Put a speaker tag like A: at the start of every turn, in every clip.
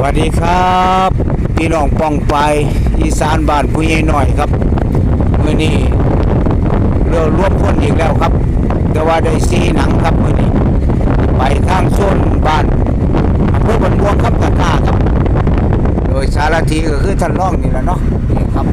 A: วัสดีครับพี่น้องป้องไปอีสานบ้านผู้ใหญ่หน่อยครับมื้อนี้เรือรวมคนอีกแล้วครับแต่ว่าได้ซีหนังครับมื้อนี้ไปทางโซนบ้านอำเภอบ้านม่วงครับตะกร้าครับโดยสารทีก็คือท่านรองนี่แหละเนาะนี่ครับ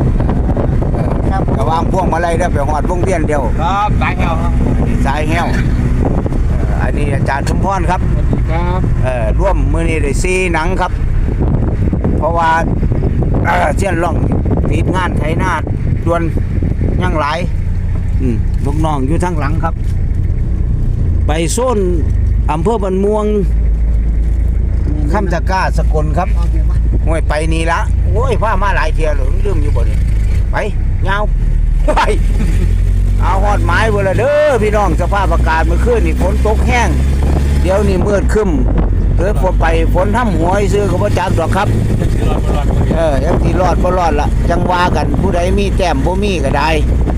A: ระวางพวงมาลัยได้ไปหอดวงเวียนเดียว
B: ครับสายแหวครับ
A: สายแหวอันนี้อาจารย์ชุมพรครับ
B: สวัสดีครับ
A: ร่วมมื้อนี้ได้ซีหนังครับเพราะว่าเสี้ยนล่องติดงานไถนาดวนยังหลายลูกน้องอยู่ทั้งหลังครับไปโซนอำเภอบ้านม่วงคำตะกร้าสกลครับห้วยไปนี่ละโอ้ยพามาหลายเที่ยวเลยลืมอยู่บ่นี่ไปยาวไปเอาหอดไม้เวลาเด้อพี่น้องสภาพอากาศเมื่อคืนนี่ฝนตกแห้งเดี๋ยวนี้มืดครึ้มเกิดฝนไปฝนทำหัวซื้อก็บ่จักดอกครับยังที่รอดบ่รอดละจังว่ากันผู้ใดมีแต้มบ่มีก็ได้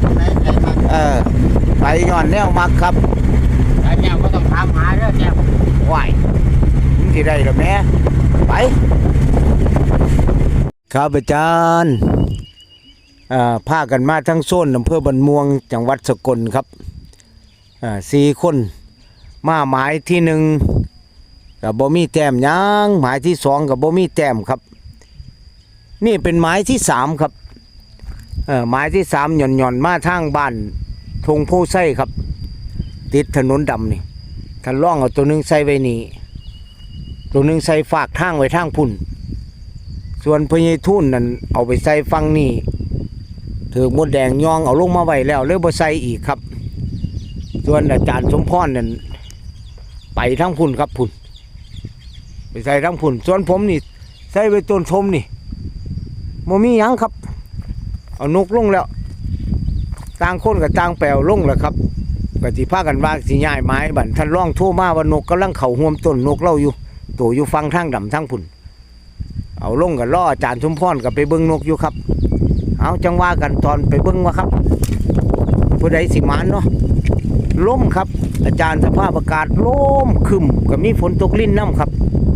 A: ไปย้อนแนวมักครับ
B: ไอ้แนวก็ต้องถามหาเด้อแนว
A: ไหวมันสิได้หรอแม่ไปครับอาจารย์พากันมาทั้งโซนอำเภอบ้านม่วงจังหวัดสกลครับ4 คนมาหมายที่1กับบ่มีแต้มยังหมายที่2กับบ่มีแต้มครับนี่เป็นหมายที่3ครับหมายที่3หย่อนมาทางบ้านทงโพไส้ครับติดถนนดำนี่ท่านล่องเอาตัวนึงใส่ไว้นี่ตัวนึงใส่ฝากทางไว้ทางพุ่นส่วนพญทุ่นนั่นเอาไปใส่ฟังนี่ถือมดแดงยองเอาลงมาไว้แล้วเลยบ่ใส่อีกครับส่วนอาจารย์สมพรนั่นไปทางพุ่นครับพุ่นไปใส่ทางพุ่นส่วนผมนี่ใส่ไว้ต้นชมนี่บ่มีหยังครับเอานกลงแล้วต่างคนกับต่างแปลวลงแล้วครับก็สิพากันว่าสิย้ายไม้บัดท่านร้องโทรมาว่านกกำลังเข้าห่วมต้นนกเล่าอยู่ตัวอยู่ฟังทางดำทางพุ่นเอาลงกับล่ออาจารย์สมพรกับไปเบิ่งนกอยู่ครับเอาจังว่ากันตอนไปเบิ่งว่าครับผู้ใดสิมานเนาะล้มครับอาจารย์สภาพอากาศล้มคึมก็มีฝนตกลิ้นน้ำครับ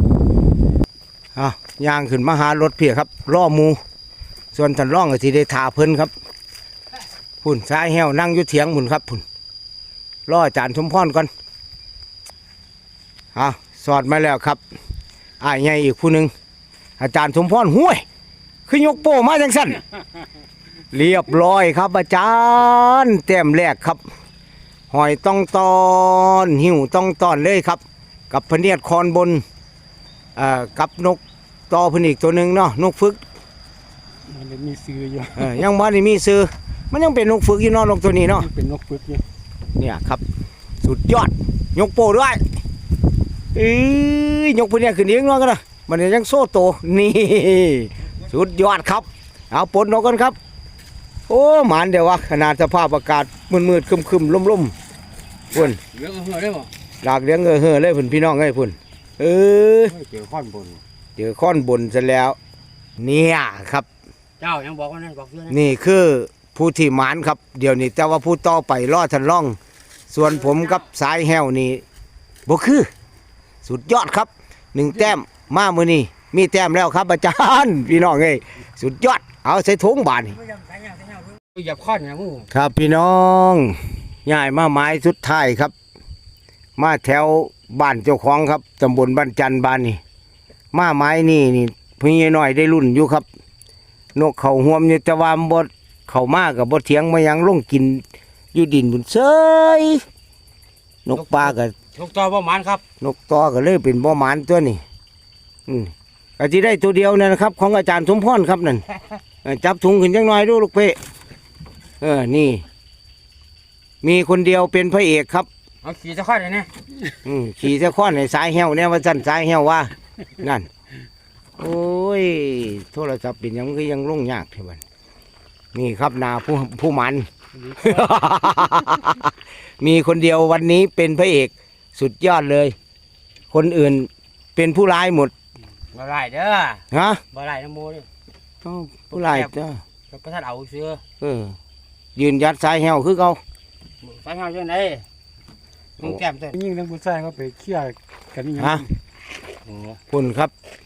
A: ย่างขึ้นมาหารถเพียครับล่อมูส่วนท่านร่องก็สิได้ถาเพิ่นครับพุ่นสายแหวนั่งอยู่เถียงพุ่นครับพุ่นล่ออาจารย์สมพรก่อนสอดมาแล้วครับอ้ายใหญ่อีกผู้หนึ่งอาจารย์สมพรห้วยคือยกโป้มาจังสั้นเรียบร้อยครับอาจารย์แต้มแรกครับหอยต้องตอนหิวต้องตอนเลยครับกับพเนียดคอนบนกับนกตอพนิกตัวหนึ่งเนาะนกฝึก
B: มันมีซื้ออยู่
A: ยังบ้านนี่มีซื้อมันยังเป็นนกฝึกอยู่เนาะนกตัวนี้เนาะ
B: เป็นนกฝึกอยู่
A: เนี่ยครับสุดยอดยกโป้ด้วยยกพเนียดขึ้นเองเนาะกันนะมันยังโซ่โตนี่สุดยอดครับเอาปนนกกันครับโอ้หมานเดี๋ยววะขนาดสภาพอากาศมืดๆคึมๆล่มๆพุ่น
B: เลี้ยงเหือได้ป่ะ
A: หลากเลี้ยงเหือเลยพุ่นพี่น้องไอ้พุ่น
B: เจอข้อนบน
A: เจอข้อนบนซะแล้วเนี่ยครับ
B: เจ้ายังบอกว่านั่นบอกเพื่อน
A: นี่คือผู้ที่หมานครับเดี๋ยวนี้แต่ว่าผู้ต่อไปล่อทันล่องส่วนผมกับสายแหวนี่บ่คือสุดยอดครับ1 แต้มมามื้อนี้มีแต้มแล้วครับอาจารย์พี่น้องเอ้ยสุดยอดเอาใส่ถุงบาดนี่
B: อย่าข้อนนะมึง
A: ครับพี่น้องย้ายมาไม้สุดท้ายครับมาแถวบ้านเจ้าของครับตำบลบ้านจันทร์บ้านนี่มาไม้นี่พี่น้อยได้รุ่นอยู่ครับนกเขาห่วมอยู่แต่ว่าบดเขามากกับบดเถียงมายังลงกินอยู่ดินบุญเซยนกปลากับ
B: นกตอบ่หมานครับ
A: นกตอก็เลยเป็นบ่หมานตัวนี่ก็จะได้ตัวเดียวนะครับของอาจารย์สมพรครับนั่นจับถุงขึ้นจังหน่อยดูลูกเป้นี่มีคนเดียวเป็นพระเอกครับ
B: เอาขี่จะข้อนเลยเนี่ย
A: ขี่จะข้อนในสายแหวเนี่ยว่าสั้นสายแหวว่านั่นโอ้ยโทรศัพท์เป็นยังคือยังลงยากเท่านั้นนี่ครับนาผู้มัน มีคนเดียววันนี้เป็นพระเอกสุดยอดเลยคนอื่นเป็นผู้ร้ายหมด
B: บ่ร้ายเด้อ
A: ฮะ
B: บ่ร้ายน้ำมูนี่
A: ผู้ร้ายเด้อ
B: พระท่านเอาเสือ
A: ยืนยัดสายแหวคือเขา
B: สายแหวเช่นไรมึงแก้มตัว
C: ยิ่งทั้งผู้ชายเขาไปเคี่ยกันนี่
A: ฮะคุณครับ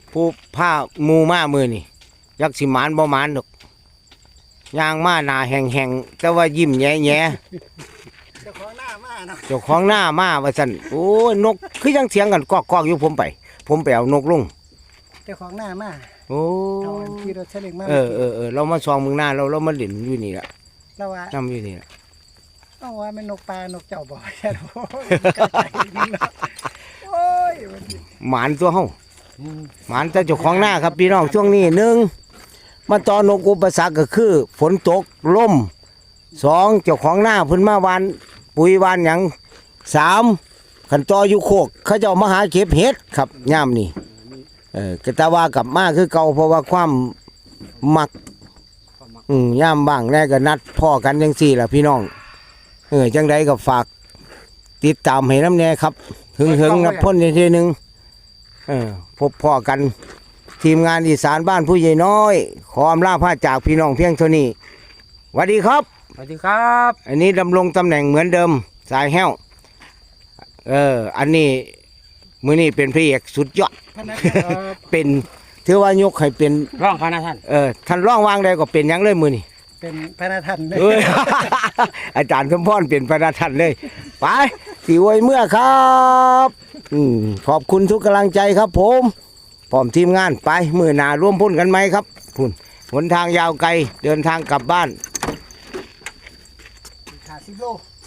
A: ผู้ผ้าหมูมามือนี่ยักสิหมานบ่หมานดอกย่างมาหน้าแห้งๆแต่ว่ายิ้มแย่
C: เจ้าของหน้ามาเนาะ
A: ๆเจ้าของหน้ามาว่าซั่นโอ้ยนกคือยังเสียงกันกอกๆอยู่ผมไปเอานกลง
C: เจ้าของหน้ามา
A: โอ้
C: เอาอันขี่รถเฉลิงมา
A: เรามาซองเมืองหน้าเรามาเล่นอยู่นี่ล่ะ
C: แล้วว่า
A: นํอยู่นี่ล่ะ
C: เอาว่าเป็นนกปลานกเจ้าบ่แค่โอ้ยกระจายนี่เนาะโอ้ยวันนี้
A: หมานตัวเฮาหมานแต่เจ้าของหน้าครับพี่น้องช่วงนี้หนึ่งมาตอนนกอุปสรรคก็คือฝนตกลมสองเจ้าของหน้าเพิ่นมาวานปุ๋ยวานหยังสามขันตออยู่โคกเขาเจ้ามาหาเก็บเห็ดครับย่ามนี่กะตาว่ากลับมาคือเก่าเพราะว่าความมักย่ามบ้างแน่ก็นัดพ่อกันจังซี่ล่ะพี่น้องจังใดก็ฝากติดตามให้น้ำแน่ครับหึงนับพ่นทีนึงพบพ่อกันทีมงานอีสานบ้านผู้ใหญ่น้อยขออำลาพาจากพี่น้องเพียงเท่านี้สวัสดีครับ
B: สวัสดีครับ
A: อันนี้ดำรงตำแหน่งเหมือนเดิมสายแห้วอันนี้มือนี้เป็นพระเอกสุดยอด
C: พนัก
A: เป็นถือว่ายกให้เป็น
B: ร่องพานะท่าน
A: ท่านร้องวางใดก็เป็นหยังเลยมือนี่
C: เป็นพนักท่านเลย
A: เอ้ย อาจารย์สมพรเป็นพระท่านเลยไปสีไว้เมื่อครับขอบคุณทุกกำลังใจครับผมพร้อมทีมงานไปมือหนาร่วมพุ่นกันไหมครับพุ่นหนทางยาวไกลเดินทางกลับบ้าน
C: 50 โล